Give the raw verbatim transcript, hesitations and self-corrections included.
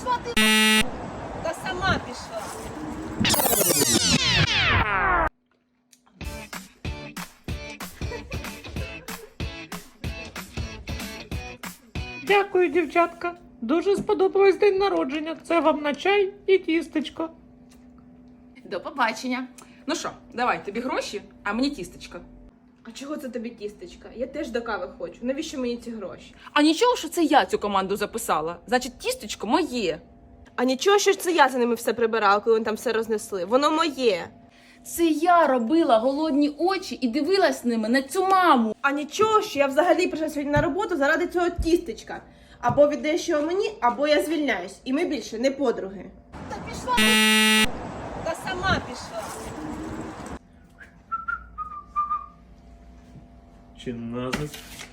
пішла ти. Та сама пішла. Дякую, дівчатка. Дуже сподобалось день народження. Це вам на чай і тістечко. До побачення. Ну що, давай, тобі гроші, а мені тістечко. А чого це тобі тістечка? Я теж до кави хочу. Навіщо мені ці гроші? А нічого, що це я цю команду записала. Значить, тістечко моє. А нічого, що ж це я за ними все прибирала, коли вони там все рознесли. Воно моє. Це я робила голодні очі і дивилась ними на цю маму. А нічого, що я взагалі прийшла сьогодні на роботу заради цього тістечка. Або віддаєш його мені, або я звільняюсь. І ми більше не подруги. Та пішла ти. Та сама пішла. Чи назис?